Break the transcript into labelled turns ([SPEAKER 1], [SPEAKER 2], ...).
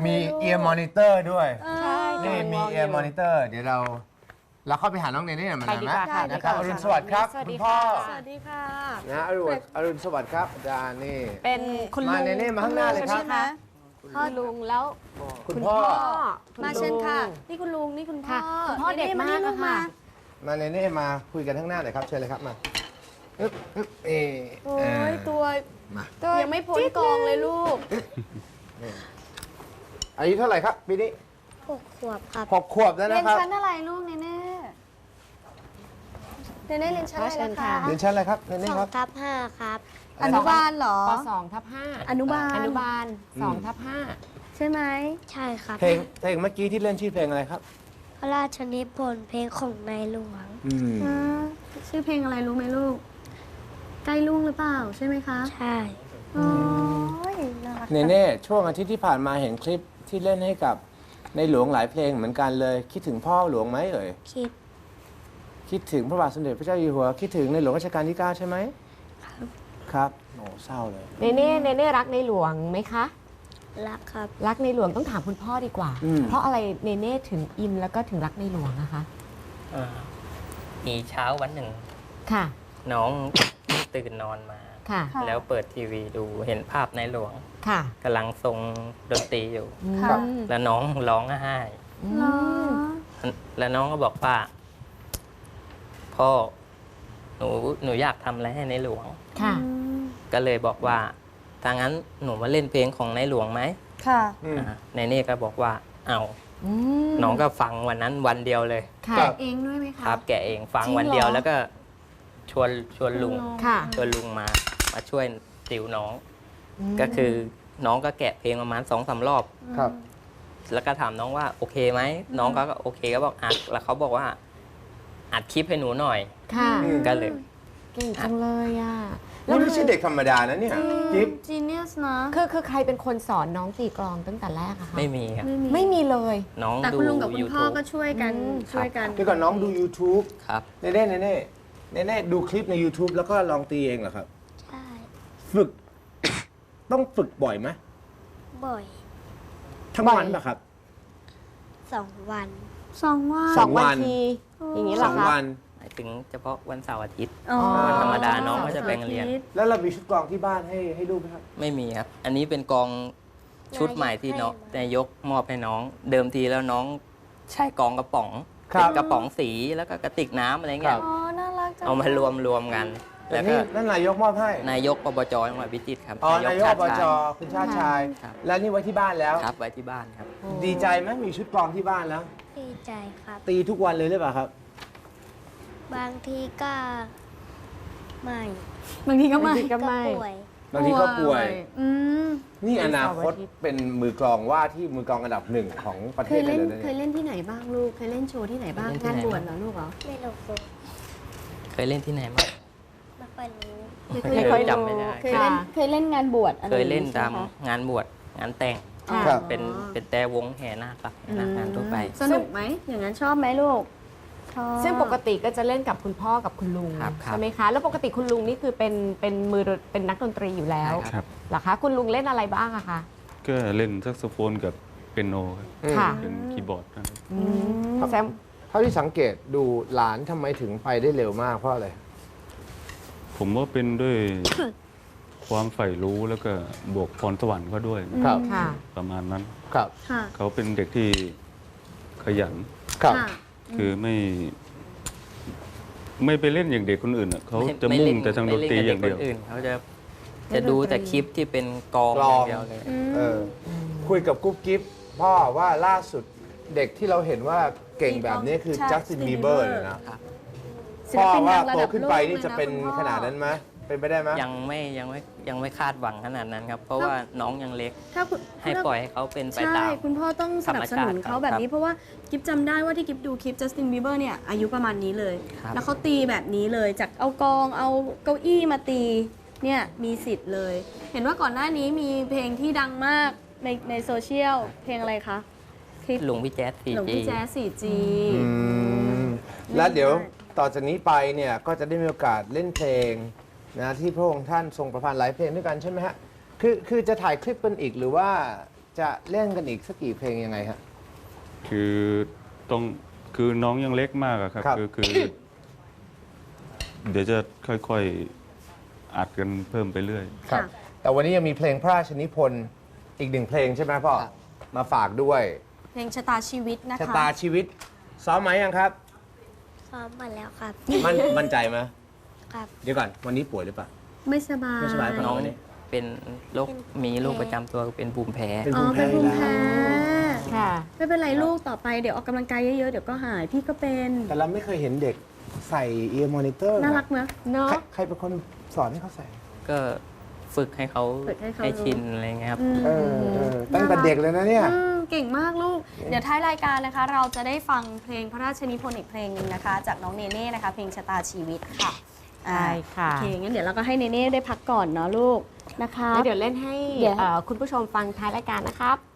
[SPEAKER 1] มีเอียร์มอนิเตอร์ด้วย
[SPEAKER 2] ใช่
[SPEAKER 1] นี่มีเอียร์มอนิเตอร์เดี๋ยวเราเข้าไปหาน้องเนเน่หน่อยมัน
[SPEAKER 2] ไป
[SPEAKER 1] นะ
[SPEAKER 2] ดี
[SPEAKER 1] ไหม
[SPEAKER 2] กว่าค่ะ
[SPEAKER 1] นะครับอรุณสวัสดิ์ครับ
[SPEAKER 2] สวัส
[SPEAKER 1] คุ
[SPEAKER 2] ดี
[SPEAKER 1] ณพ่อ
[SPEAKER 2] ค่ะ
[SPEAKER 3] สวัสดีค่ะ
[SPEAKER 1] นะอรุณสวัสดิ์ครับอาจารย์นี่
[SPEAKER 2] เป็นคุณลุ
[SPEAKER 1] มาง เนเน่มาข้างหน้าเลยครับ
[SPEAKER 3] ใช่ไหม
[SPEAKER 2] พ่อลุงแล้ว
[SPEAKER 1] คุณพ่อ
[SPEAKER 3] มาเชิญค่ะ นี่คุณลุง นี่คุณพ่อ
[SPEAKER 2] ค่ะคุณพ่อเด็กมาก
[SPEAKER 3] ลู
[SPEAKER 2] อะค่ะ
[SPEAKER 1] มาเนเน่มาคุยกันข้างหน้าหน่อยครับเชิญเลยครับมาอึ๊บอึ๊บ
[SPEAKER 3] โอ้ยตัว
[SPEAKER 1] มา
[SPEAKER 3] ยังไม่พ้นกองเลยลูก
[SPEAKER 1] อายุเท่าไหร่ครับปีนี้
[SPEAKER 4] 6 ขวบครับ
[SPEAKER 1] 6 ขวบแล้ว
[SPEAKER 3] เรีย
[SPEAKER 1] นะ
[SPEAKER 3] น
[SPEAKER 1] ครับ
[SPEAKER 3] ชั้นอะไรลูกเนเน่เนเน่เรียนชั้นอะไร
[SPEAKER 2] เชิญ
[SPEAKER 3] นะ
[SPEAKER 2] ค่ะ
[SPEAKER 3] คะ
[SPEAKER 1] เรียนชั้นอะไรครับเนเน่ครับ
[SPEAKER 4] 2/5 ครับ
[SPEAKER 3] อนุบาลเหรอ
[SPEAKER 2] ป2/5
[SPEAKER 3] อนุบาล
[SPEAKER 2] อนุบาล2/5
[SPEAKER 3] ใช่ไหม
[SPEAKER 4] ใช่ครับ
[SPEAKER 1] เพลงเมื่อกี้ที่เล่นชื่อเพลงอะไรครับ
[SPEAKER 4] พระราชนิพนธ์เพลงของในหลวง
[SPEAKER 3] อ่าชื่อเพลงอะไรรู้ไหมลูก ใกล้ลุงหรือเปล่าใช่ไหมคะ
[SPEAKER 4] ใช่
[SPEAKER 3] โอ้ยน่ารัก
[SPEAKER 1] เนเน่ช่วงอาทิตย์ที่ผ่านมาเห็นคลิปที่เล่นให้กับในหลวงหลายเพลงเหมือนกันเลย คิดถึงพ่อหลวงไหมเอ่ย
[SPEAKER 4] คิด
[SPEAKER 1] คิดถึงพระบาทสมเด็จพระเจ้าอยู่หัวคิดถึงในหลวงรัชกาลที่ 9 ใช่ไหมครับโอ้เศร้าเลย
[SPEAKER 2] เนเน่รักในหลวงไหมคะ
[SPEAKER 4] รักครับ
[SPEAKER 2] รักในหลวงต้องถามคุณพ่อดีกว่า เพราะอะไรเนเน่ถึงอินแล้วก็ถึงรักในหลวงนะคะ
[SPEAKER 5] มีเช้าวันหนึ่ง
[SPEAKER 2] ค่ะ
[SPEAKER 5] น้องตื่นนอนมา
[SPEAKER 2] ค่ะ
[SPEAKER 5] แล้วเปิดทีวีดูเห็นภาพในหลวง
[SPEAKER 2] ค่ะ
[SPEAKER 5] กำลังทรงดนตรีอยู่
[SPEAKER 3] ค่ะ
[SPEAKER 5] แล้วน้องร้องไห้
[SPEAKER 3] เหรอ
[SPEAKER 5] แล้วน้องก็บอกว่าพ่อหนูอยากทำอะไรให้ในหลวง
[SPEAKER 2] ค่ะ
[SPEAKER 5] ก็เลยบอกว่าถ้างั้นหนูมาเล่นเพลงของในหลวงไหม
[SPEAKER 3] ค่ะ
[SPEAKER 5] ในเน่ก็บอกว่าเอาน้องก็ฟังวันนั้นวันเดียวเลย
[SPEAKER 2] ค่ะ
[SPEAKER 3] แกะเองด้วยไหมคะ
[SPEAKER 5] ครับแกเองฟัง
[SPEAKER 2] จริงเหรอ
[SPEAKER 5] วันเดียวแล้วก็ชวนลุง
[SPEAKER 2] ค่ะ
[SPEAKER 5] ชวนลุงมาช่วยติวน้อง ก็คือน้องก็แกะเพลงประมาณ2-3 รอบ
[SPEAKER 1] ครับ
[SPEAKER 5] แล้วก็ถามน้องว่าโอเคไหมน้องก็โอเคก็บอกอัดแล้วเขาบอกว่าอัดคลิปให้หนูหน่อย
[SPEAKER 2] ค่ะ
[SPEAKER 5] ก็เลย
[SPEAKER 2] เก่งจังเลยอ่ะ
[SPEAKER 1] นี่ไม่ใช่เด็กธรรมดานะเนี่ยจิ๊บ
[SPEAKER 3] จีเนียสนะ
[SPEAKER 2] คือใครเป็นคนสอนน้องตีกลองตั้งแต่แรกอะคะ
[SPEAKER 5] ไม่มีครับ
[SPEAKER 2] ไม่มีเลย
[SPEAKER 5] น้อง
[SPEAKER 3] แต่
[SPEAKER 5] ดู
[SPEAKER 3] คุณลุงกับคุณพ่อ
[SPEAKER 5] YouTube
[SPEAKER 3] ก็ช่วยกัน ช่วยกัน
[SPEAKER 1] เดี๋ยวก่อนน้องดู YouTube
[SPEAKER 5] ครับ
[SPEAKER 1] เนเน่ดูคลิปใน YouTube แล้วก็ลองตีเองเหรอครับ
[SPEAKER 4] ใช่
[SPEAKER 1] ฝึก ต้องฝึกบ่อยไหม
[SPEAKER 4] บ่อย
[SPEAKER 1] ทั้งวันป่ะครับ
[SPEAKER 4] 2 วัน
[SPEAKER 3] 2 วัน
[SPEAKER 1] สองวัน
[SPEAKER 2] ที อย่างนี้เหร
[SPEAKER 1] ส
[SPEAKER 2] อ
[SPEAKER 1] อง
[SPEAKER 2] คะ
[SPEAKER 1] วัน
[SPEAKER 5] หมายถึงเฉพาะวันเสาร์อาทิตย์
[SPEAKER 3] อ๋อ
[SPEAKER 5] วันธรรมดาน้องก็จะไปโรงเรียน
[SPEAKER 1] แล้วเรามีชุดกลองที่บ้านให้ลูกไหมครับ
[SPEAKER 5] ไม่มีครับ อันนี้เป็นกองชุดใหม่ที่น้องนายกมอบให้น้อง เดิมทีแล้วน้องใช่กองกระป๋อง
[SPEAKER 1] ครับ
[SPEAKER 5] เป็นกระป๋องสีแล้วก็กระติกน้ำอะไร
[SPEAKER 1] ค
[SPEAKER 5] เงี้
[SPEAKER 1] รั
[SPEAKER 5] ย
[SPEAKER 1] บ
[SPEAKER 3] อ๋อ น่ารักจัง
[SPEAKER 5] เอามารวมกัน
[SPEAKER 1] แต่
[SPEAKER 5] แล้วก็
[SPEAKER 1] นี่นั่นนายกมอบให้
[SPEAKER 5] นายกอบจจังหวัดพิจิตรครับ
[SPEAKER 1] อ๋อนายก
[SPEAKER 5] ช
[SPEAKER 1] อบ
[SPEAKER 5] ติ
[SPEAKER 1] จ
[SPEAKER 5] ชาย
[SPEAKER 1] คุณชาติชาย
[SPEAKER 5] ครับ
[SPEAKER 1] แล้วนี่ไว้ที่บ้านแล้ว
[SPEAKER 5] ครับไว้ที่บ้านครับ
[SPEAKER 1] ดีใจไหมมีชุดกลองที่บ้านแล้ว
[SPEAKER 4] ดีใจครับ
[SPEAKER 1] ตีทุกวันเลยหรือเปล่าครับ
[SPEAKER 4] บางทีก็ไม่
[SPEAKER 3] บางทีก็ไม่
[SPEAKER 2] บางทีก็ไม่
[SPEAKER 4] ป่วย
[SPEAKER 1] บางทีก็ป่วย
[SPEAKER 3] อืม
[SPEAKER 1] นี่อนาคตเป็นมือกลองว่าที่มือกลองอันดับหนึ่งของประ
[SPEAKER 3] เค
[SPEAKER 1] เทศ
[SPEAKER 3] ย
[SPEAKER 1] ได้
[SPEAKER 3] เล่น
[SPEAKER 1] เลยนะ
[SPEAKER 3] เค
[SPEAKER 1] เนี่ย
[SPEAKER 3] ยเล่นที่ไหนบ้างลูก เคยเล่นโชว์ที่ไหนบ้าง
[SPEAKER 5] เล่นที่
[SPEAKER 3] งาน
[SPEAKER 5] ไหน
[SPEAKER 3] บวชเหรอลูกเหรอ
[SPEAKER 4] ไม่รู้สึก
[SPEAKER 5] เคยเล่นที่ไหนบ้าง
[SPEAKER 4] ไม่ค่อยรู้
[SPEAKER 5] ไม่เคยจำไม่ได้
[SPEAKER 3] เคยเล่นงานบวชอะไร
[SPEAKER 5] เคยเล่น
[SPEAKER 3] อาง
[SPEAKER 5] ตาม
[SPEAKER 3] ใช่ไหคะ
[SPEAKER 5] งานบวชงานแต่ง
[SPEAKER 2] ค่ะ
[SPEAKER 1] ครับ
[SPEAKER 5] เป็นแต่วงแห่นาคครับแห่นาคงานทั่วไป
[SPEAKER 3] สนุกไหม อย่างนั้นชอบไหมลูก ชอบ
[SPEAKER 2] ซึ่งปกติก็จะเล่นกับคุณพ่อกับคุณลุง
[SPEAKER 5] ครับ
[SPEAKER 2] ใช่ไหมคะ แล้วปกติคุณลุงนี่คือเป็นนักดนตรีอยู่แล้ว
[SPEAKER 5] ใช่
[SPEAKER 6] ครับ
[SPEAKER 2] เหรอคะ คุณลุงเล่นอะไรบ้างอะคะ
[SPEAKER 6] ก็เล่นแซกโซโฟนกับเปียโนครับ
[SPEAKER 2] ค่ะ
[SPEAKER 6] เป็นคีย์บอร์ดนะครับ
[SPEAKER 2] แซม
[SPEAKER 1] เท่าที่สังเกตดูหลานทำไมถึงไปได้เร็วมากเพราะอะไร
[SPEAKER 6] ผมว่าเป็นด้วย ความใฝ่รู้แล้วก็บวกพรสวรรค์เขาด้วยนะครับ
[SPEAKER 2] ค่ะ
[SPEAKER 6] ประมาณนั้น
[SPEAKER 1] ครับ
[SPEAKER 3] ค่ะ
[SPEAKER 6] เขาเป็นเด็กที่ขยัน
[SPEAKER 1] ครับ
[SPEAKER 3] ค่ะ
[SPEAKER 6] คือไม่ไปเล่นอย่างเด็กคนอื่นอะเขา
[SPEAKER 5] ไม่
[SPEAKER 6] จะ
[SPEAKER 5] ไม่
[SPEAKER 6] มุ่ง
[SPEAKER 5] เล่น
[SPEAKER 6] แต่ทางดนตรีอย่างเดียว
[SPEAKER 5] ไม่ล่นกับด็กคนอื่นเขาจะดูแต่คลิปที่เป็นกอง
[SPEAKER 1] กล
[SPEAKER 5] อ
[SPEAKER 1] อง
[SPEAKER 5] ย่างเดียวเลย
[SPEAKER 1] เออคุยกับกุ๊บกิ๊บพ่อว่าล่าสุดเด็กที่เราเห็นว่าเก่งแบบนี้คือ
[SPEAKER 3] ใช่
[SPEAKER 1] จัสติน
[SPEAKER 3] Justin
[SPEAKER 1] บีเบอร์
[SPEAKER 3] Bieber
[SPEAKER 1] เลยนะ
[SPEAKER 3] ศิล
[SPEAKER 1] พ่อ
[SPEAKER 3] ปิน
[SPEAKER 1] ว่า
[SPEAKER 3] ดังระ
[SPEAKER 1] โต
[SPEAKER 3] ดับ
[SPEAKER 1] ขึ้น
[SPEAKER 3] โลก
[SPEAKER 1] ไป
[SPEAKER 3] เลย
[SPEAKER 1] นี่จะเป็น
[SPEAKER 3] คุณพ่อ
[SPEAKER 1] ขนาดนั้นไหมเป็นไปได้ไหม
[SPEAKER 5] ยังไม่คาดหวังขนาดนั้นครับ เพราะว่าน้องยังเล็ก
[SPEAKER 3] ถ้าคุณ
[SPEAKER 5] ให้ปล่อยให้เขาเป็นไป
[SPEAKER 3] ใช่
[SPEAKER 5] ตาม
[SPEAKER 3] คุณพ่อต้องสนับสนุนเขาแบบนี้ เพราะว่ากิฟจำได้ว่าที่กิฟดูคลิปจัสตินบีเบอร์เนี่ยอายุประมาณนี้เลย
[SPEAKER 5] ครับ
[SPEAKER 3] แล้วเขาตีแบบนี้เลย จากเอากองเอาเก้าอี้มาตีเนี่ยมีสิทธิ์เลย เห็นว่าก่อนหน้านี้มีเพลงที่ดังมากในโซเชียลเพลงอะไรคะคลิป
[SPEAKER 5] หลวงพี่แจ๊ส
[SPEAKER 3] หลวง
[SPEAKER 5] 4G
[SPEAKER 3] พี่แจ๊ส 4G
[SPEAKER 1] แล้วเดี๋ยวต่อจากนี้ไปเนี่ยก็จะได้มีโอกาสเล่นเพลงนะที่พระองค์ท่านทรงประพันธ์หลายเพลงด้วยกันใช่ไหมฮะคือจะถ่ายคลิปกันอีกหรือว่าจะเล่นกันอีกสักกี่เพลงยังไงฮะ
[SPEAKER 6] คือต้องคือน้องยังเล็กมากอะครับ
[SPEAKER 1] ครับ
[SPEAKER 6] คือเดี๋ยวจะค่อยๆอัดกันเพิ่มไปเรื่อย
[SPEAKER 1] ครับ แต่วันนี้ยังมีเพลงพระราชนิพนธ์อีก1 เพลงใช่ไหมพ่อ มาฝากด้วย
[SPEAKER 3] เพลงชะตาชีวิตนะคะ
[SPEAKER 1] ชะตาชีวิต ซ้อมไหมยังครับ
[SPEAKER 4] ซ้อมมาแล้วครับ
[SPEAKER 1] มั่นใจไหม
[SPEAKER 4] ครับ
[SPEAKER 1] เดี๋ยวก่อน วันนี้ป่วยหรือเปล่า
[SPEAKER 3] ไม่สบาย
[SPEAKER 1] ไม่สบาย
[SPEAKER 5] น้อง
[SPEAKER 1] วันนี้
[SPEAKER 5] เป็นโรคมีโรคประจำตัวเป็นภูมิแพ้
[SPEAKER 1] เป็น
[SPEAKER 3] อ๋
[SPEAKER 1] ภู
[SPEAKER 3] อ
[SPEAKER 1] มิ
[SPEAKER 3] เป็
[SPEAKER 1] แพ้
[SPEAKER 3] นภูมิ
[SPEAKER 1] แล้ว
[SPEAKER 3] แพ้
[SPEAKER 2] ค่ะ
[SPEAKER 3] ไม่เป็นไรลูกต่อไปเดี๋ยวออกกำลังกายเยอะๆ เดี๋ยวก็หาย พี่ก็เป็น
[SPEAKER 1] แต่เราไม่เคยเห็นเด็กใส่เอียร์มอนิเตอร์
[SPEAKER 3] น่ารักเนอะ
[SPEAKER 2] เนาะ
[SPEAKER 1] ใครเป็นคนสอนให้เขาใส่
[SPEAKER 5] ก็ฝึกให้เขา
[SPEAKER 3] ฝึกให้เขา
[SPEAKER 5] ให้ชินอะไรเงี้ยครับ
[SPEAKER 1] เออตั้งแต่เด็กเลยนะเนี่ย
[SPEAKER 3] เก่งมากลูก เดี๋ยวท้ายรายการนะคะ เราจะได้ฟังเพลงพระราชนิพนธ์อีกเพลงหนึ่งนะคะ จากน้องเนเน่นะคะ เพลงชะตาชีวิตค่ะ
[SPEAKER 2] ใช่ค่ะ
[SPEAKER 3] โอเค งั้นเดี๋ยวเราก็ให้เนเน่ได้พักก่อนเนาะลูกนะคะ
[SPEAKER 2] แล้วเดี๋ยวเล่นให้
[SPEAKER 3] เดี๋ยว
[SPEAKER 2] คุณผู้ชมฟังท้ายรายการนะครับ